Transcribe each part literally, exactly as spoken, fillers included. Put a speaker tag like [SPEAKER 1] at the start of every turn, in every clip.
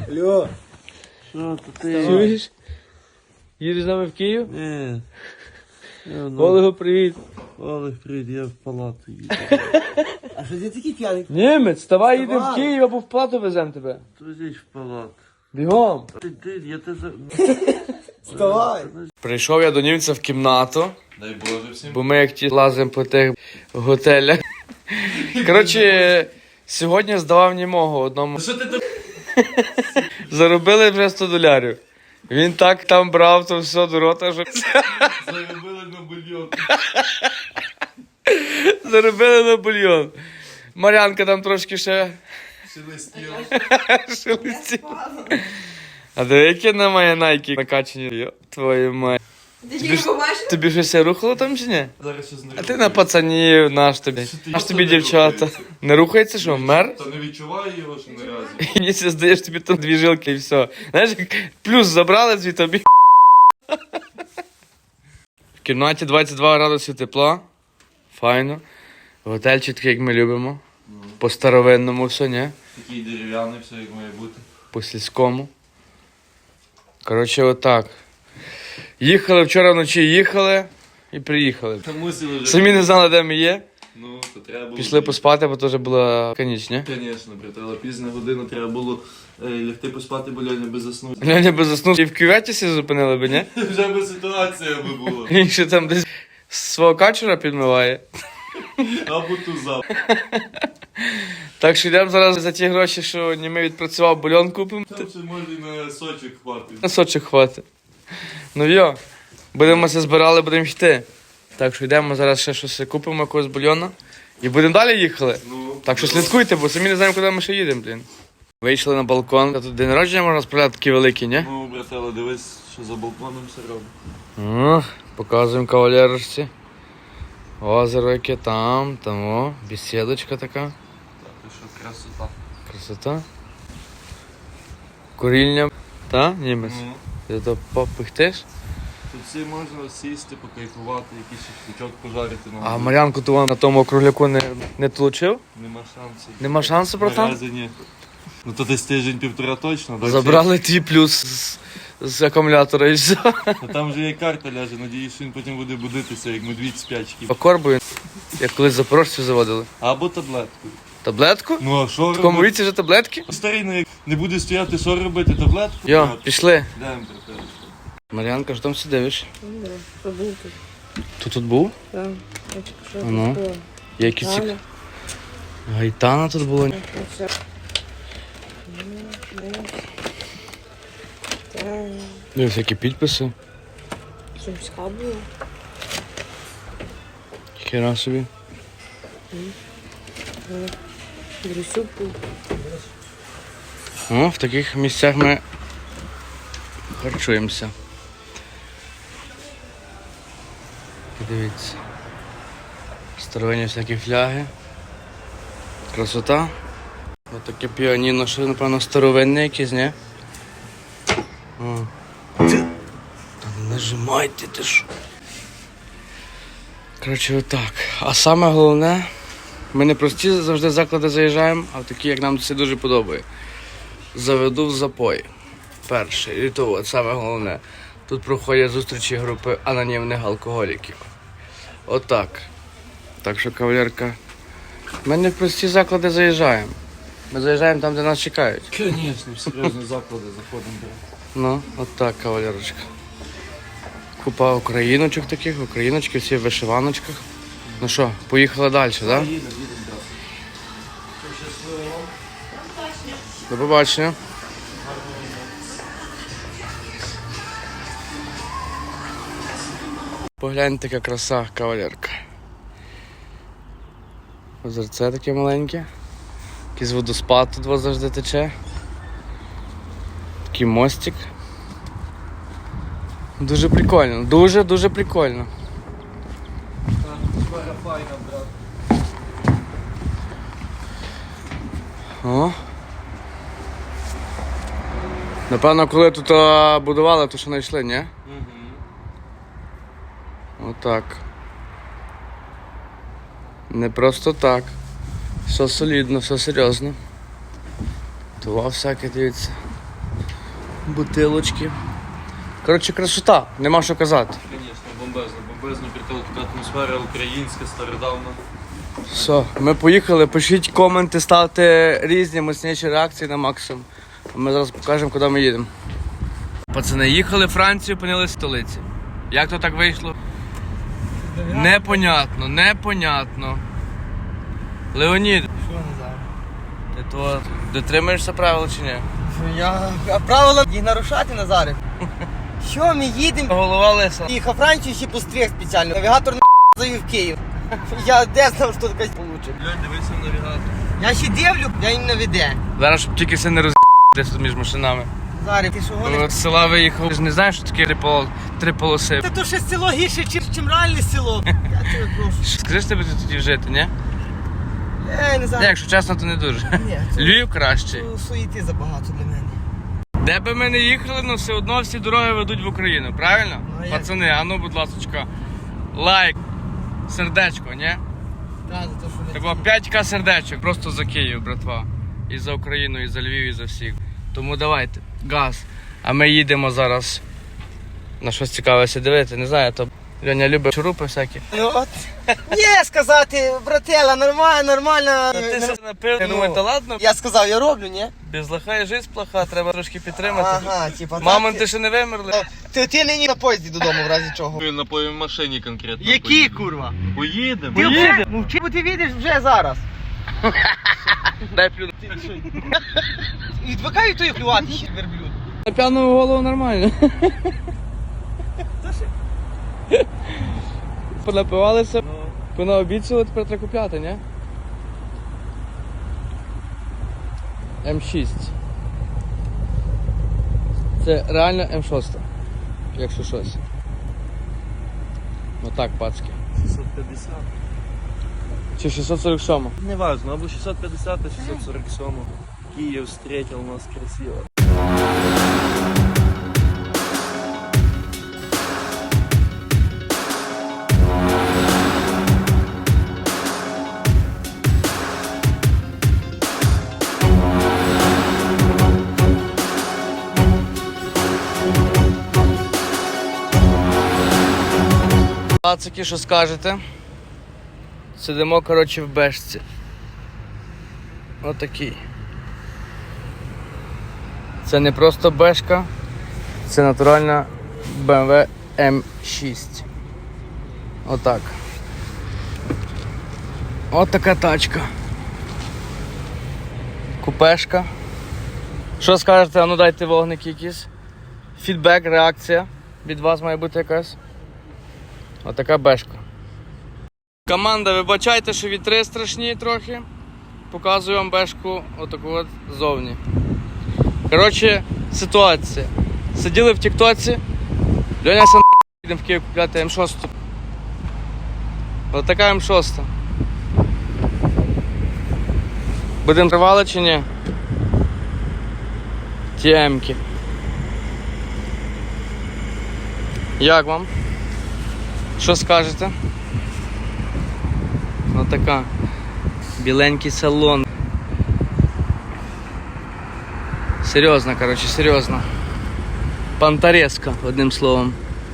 [SPEAKER 1] Алло.
[SPEAKER 2] Що то ти?
[SPEAKER 3] Чуєш? Їдеш з нами в Київ?
[SPEAKER 2] Ні. Я, ну,
[SPEAKER 3] Олегу, привіт.
[SPEAKER 2] Олег, привіт, я в палату їду.
[SPEAKER 1] А що ти такий п'яний?
[SPEAKER 3] Німець, вставай, їдемо в
[SPEAKER 1] Вставай.
[SPEAKER 3] Київ, або в Плату веземо тебе.
[SPEAKER 2] Туди в палату.
[SPEAKER 3] Бігом.
[SPEAKER 2] Ти, ти, я те за...
[SPEAKER 1] Вставай.
[SPEAKER 3] Прийшов я до німця в кімнату,
[SPEAKER 2] Дай Боже всім.
[SPEAKER 3] бо ми як ті лазимо по тих готелях. Коротше, сьогодні здавав німого одному.
[SPEAKER 2] Що ти тут?
[SPEAKER 3] Заробили вже сто долярів. Він так там брав, то все до рота, що
[SPEAKER 2] Заробили на бульйон.
[SPEAKER 3] заробили на бульйон. Мар'янка там трошки ще
[SPEAKER 2] Шелестіло.
[SPEAKER 3] шелестіла. А диви, які на мої найки накачані. Йо, твою мать.
[SPEAKER 4] Ти тільки побачив?
[SPEAKER 3] Тобі щось рухало там чи ні?
[SPEAKER 2] Зараз щось не
[SPEAKER 3] А ти на пацанів, наш тобі.
[SPEAKER 2] ти,
[SPEAKER 3] Наш
[SPEAKER 2] йо,
[SPEAKER 3] тобі
[SPEAKER 2] то не
[SPEAKER 3] дівчата.
[SPEAKER 2] рухається?
[SPEAKER 3] Не рухається, що, мер?
[SPEAKER 2] Та не відчуваю його ще наразі.
[SPEAKER 3] І ні, це здаєш тобі там дві жилки і все. Знаєш, як плюс забрали звідти тобі. В кімнаті двадцять два градуси тепла. Файно. Готельчик такий, як ми любимо. По старовинному все, ні?
[SPEAKER 2] Такий дерев'яний, все як має бути.
[SPEAKER 3] По сільському. Коротше, отак. Їхали вчора вночі, їхали і приїхали.
[SPEAKER 2] Та мусили вже.
[SPEAKER 3] Самі не знали, де ми є.
[SPEAKER 2] Ну, то треба було.
[SPEAKER 3] Пішли поспати, бо теж була каніч, ні?
[SPEAKER 2] Звісно, брат, але пізна година треба було е, лягти поспати, бо Льоня би заснув.
[SPEAKER 3] Ляня би заснув і в кюветі сі зупинили би, ні?
[SPEAKER 2] Вже би ситуація би була.
[SPEAKER 3] Він ще там десь свого качура підмиває.
[SPEAKER 2] Або туза.
[SPEAKER 3] Так що йдемо зараз за ті гроші, що німей відпрацював, бульон купимо.
[SPEAKER 2] Там ще може і на сочок хватить.
[SPEAKER 3] На сочок хватить. Ну йо, будемо це збирали, будемо йти. Так що йдемо зараз ще щось купимо, якогось бульйона. І будемо далі їхали.
[SPEAKER 2] Ну,
[SPEAKER 3] Так що слідкуйте, бо самі не знаємо, куди ми ще їдемо, блін. Вийшли на балкон. А тут день народження можна справляти такі великі, ні?
[SPEAKER 2] Ну, братела, дивись, що за балконом все робить.
[SPEAKER 3] О, показуємо кавалерочці. Озеро яке там, там о, бесідочка така.
[SPEAKER 2] Так, і що красота.
[SPEAKER 3] Красота. Курільня. Та, німець?
[SPEAKER 2] Ну,
[SPEAKER 3] Ти то попихтиш?
[SPEAKER 2] тут всі можна сісти, покайфувати, якийсь шашличок пожарити.
[SPEAKER 3] А Мар'янку то на тому округляку не, не тлучив?
[SPEAKER 2] Нема шансів.
[SPEAKER 3] Нема шансу, братан?
[SPEAKER 2] Наразі ні. Ну то десь тиждень-півтора точно. Так?
[SPEAKER 3] Забрали твій плюс з, з акумулятора і все.
[SPEAKER 2] А там вже є карта ляже, надіюсь, що він потім буде будитися, як медвідь спячки.
[SPEAKER 3] По корбою, як колись запорожців заводили.
[SPEAKER 2] Або таблетку.
[SPEAKER 3] Таблетку?
[SPEAKER 2] Ну а що
[SPEAKER 3] В такому
[SPEAKER 2] робити?
[SPEAKER 3] віці вже таблетки?
[SPEAKER 2] Старий, ну як не буде стояти, що робити, таблетку?
[SPEAKER 3] Йо,
[SPEAKER 2] брати?
[SPEAKER 3] пішли.
[SPEAKER 2] Йдемо, брате.
[SPEAKER 3] Мар'янка, що там сидиш?
[SPEAKER 4] Що був тут?
[SPEAKER 3] Ти тут був?
[SPEAKER 4] Так. Я тільки що
[SPEAKER 3] Ну.
[SPEAKER 4] купила.
[SPEAKER 3] Які ці...
[SPEAKER 4] Галя.
[SPEAKER 3] Гайтана тут була.
[SPEAKER 4] Оце. Так.
[SPEAKER 3] Дивись, які підписи.
[SPEAKER 4] Сумська була.
[SPEAKER 3] Хера собі.
[SPEAKER 4] Дрюсюк був.
[SPEAKER 3] О, в таких місцях ми харчуємося. Подивіться. Старовинні всякі фляги. Красота. Ось таке піаніно, що, напевно, старовинне якесь, ні? О. Та не нажимайте, ти що. Коротше, отак. А саме головне, ми не прості завжди заклади заїжджаємо, а в такі, як нам це дуже подобає. Заведу в запої. Перше. І то от саме головне. Тут проходять зустрічі групи анонімних алкоголіків. Отак. Так що, кавалерка, ми не в прості заклади заїжджаємо. Ми заїжджаємо там, де нас чекають.
[SPEAKER 2] Звісно, в серйозні заклади заходимо.
[SPEAKER 3] Ну, отак, кавалерочка. Купа україночок таких, україночки всі в вишиваночках. Ну що, поїхали далі, так? Да?
[SPEAKER 2] Їдемо, їдемо, брате. Щасливо.
[SPEAKER 3] До побачення. Погляньте, яка краса, кавалерка. Озерце таке маленьке. Якийсь водоспад тут вас завжди тече. Такий мостик. Дуже прикольно, дуже-дуже прикольно.
[SPEAKER 2] Сфера файна, брат.
[SPEAKER 3] О. Напевно, коли тут а, будували, то що знайшли, ні?
[SPEAKER 2] Угу.
[SPEAKER 3] Отак. Не просто так. Все солідно, все серйозно. Това всяке, дивіться. бутилочки. Коротше, красота, нема що казати.
[SPEAKER 2] Звісно, бомбезно, бомбезно, прикол, така атмосфера українська, стародавна.
[SPEAKER 3] Все, ми поїхали, пишіть коменти, ставте різні мощніші реакції на максимум. Ми зараз покажемо, куди ми їдемо. Пацани, їхали в Францію, опинилися в столиці. Як то так вийшло? Непонятно, непонятно. Леонід,
[SPEAKER 1] Що Назар?
[SPEAKER 3] ти то дотримуєшся правил чи ні?
[SPEAKER 1] Я а правила їх нарушати, Назаре. Що ми їдемо?
[SPEAKER 3] Голова лиса.
[SPEAKER 1] Їхав Францію ще постріг спеціально. Навігатор на завів в Київ. Я де знав, що таке получить.
[SPEAKER 2] Льонь, дивися в навігатор.
[SPEAKER 1] Я ще дивлю, я їм наведе.
[SPEAKER 3] Зараз, щоб тільки все не роз... десь тут між машинами.
[SPEAKER 1] Назаре, ти що гониш?
[SPEAKER 3] З села виїхав. Ти ж не знаєш, що таке три, пол... три полоси.
[SPEAKER 1] Та то ще село гірше, чим, чим реальне село. Я тебе прошу.
[SPEAKER 3] Скажи, що тебе тут тоді жити, ні?
[SPEAKER 1] Ей, Назар.
[SPEAKER 3] Ні, якщо чесно, то не дуже.
[SPEAKER 1] Ні, це-
[SPEAKER 3] Львів кращий.
[SPEAKER 1] Це суєти забагато для мене.
[SPEAKER 3] Де би ми не їхали, ну все одно всі дороги ведуть в Україну, правильно?
[SPEAKER 1] Ну, а як?
[SPEAKER 3] Пацани, а ну, будь ласочка, лайк, сердечко, ні?
[SPEAKER 1] Так, за те, що не
[SPEAKER 3] Треба п'ять ка сердечок просто за Київ, братва. І за Україну, і за Львів, і за всіх. Тому давайте, газ. А ми їдемо зараз на щось цікаве дивити. Не знаю, то Льоня любить шурупи всякі.
[SPEAKER 1] Ну от. Ні, сказати, братела, нормально, нормально.
[SPEAKER 3] Ти все напив, я
[SPEAKER 1] Ну.
[SPEAKER 3] думаю, та ладно,
[SPEAKER 1] Я сказав, я роблю, ні?
[SPEAKER 3] без лоха і жизнь плоха, треба трошки підтримати.
[SPEAKER 1] Ага, типа так.
[SPEAKER 3] Мамонти ще не вимерли.
[SPEAKER 1] Ти, ти нині на поїзді додому, в разі чого.
[SPEAKER 2] Ми на по- машині конкретно.
[SPEAKER 1] Які,
[SPEAKER 2] поїдемо.
[SPEAKER 1] курва?
[SPEAKER 2] Поїдемо.
[SPEAKER 1] Ти вже, ну чи бо ти відеш вже зараз.
[SPEAKER 3] Дай плюну.
[SPEAKER 1] Відвикаю той плювати ще верблюд.
[SPEAKER 3] На п'яну голову нормально. Понапивалися, понаобіцяли, тепер треба купляти, ні? М шість. Це реально М шість, якщо щось. Ну так, пацки.
[SPEAKER 2] шістсот п'ятдесят.
[SPEAKER 3] Чи шістсот сорок сім?
[SPEAKER 2] Не важно, або шістсот п'ятдесят, а шістсот сорок сім. Київ встретил нас красиво.
[SPEAKER 3] Пацики, що скажете? Сидимо, коротше, в бешці. Отакий. Це не просто бешка, це натуральна Б М В М шість. Отак. От така тачка. Купешка. Що скажете? А ну дайте вогники якісь. Фідбек, реакція від вас має бути якась. Отака бешка. Команда, вибачайте, що вітри страшні трохи. Показую вам бешку отаку от ззовні. Коротше, ситуація. Сиділи в тіктоці. Льоня сам їдемо в Київ купляти М шість. Отака М шість. Будемо тривали чи ні? Ті М-ки. Як вам? Що скажете? Отака. Біленький салон. Серйозно, коротше, серйозно. Пантареска, одним словом.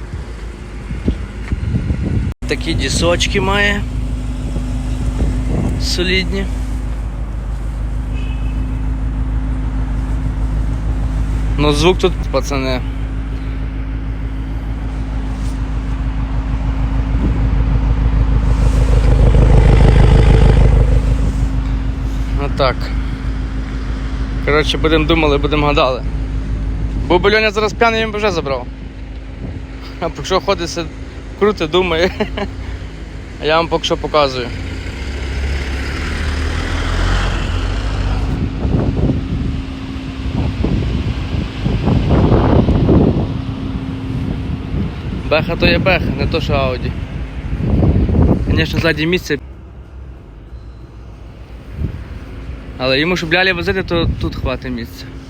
[SPEAKER 3] Такі дісочки має. Солідні. Ну звук тут, пацани. Отак. Коротше, будемо думали, будемо гадали. Був би Льоня зараз п'яний, він би вже забрав. А поки що ходить, сид... круто, думає. А я вам поки що показую. Беха то є беха, не то що Ауді. Звісно, ззаді місце. Але йому, щоб лялі возити, то тут хватить місця.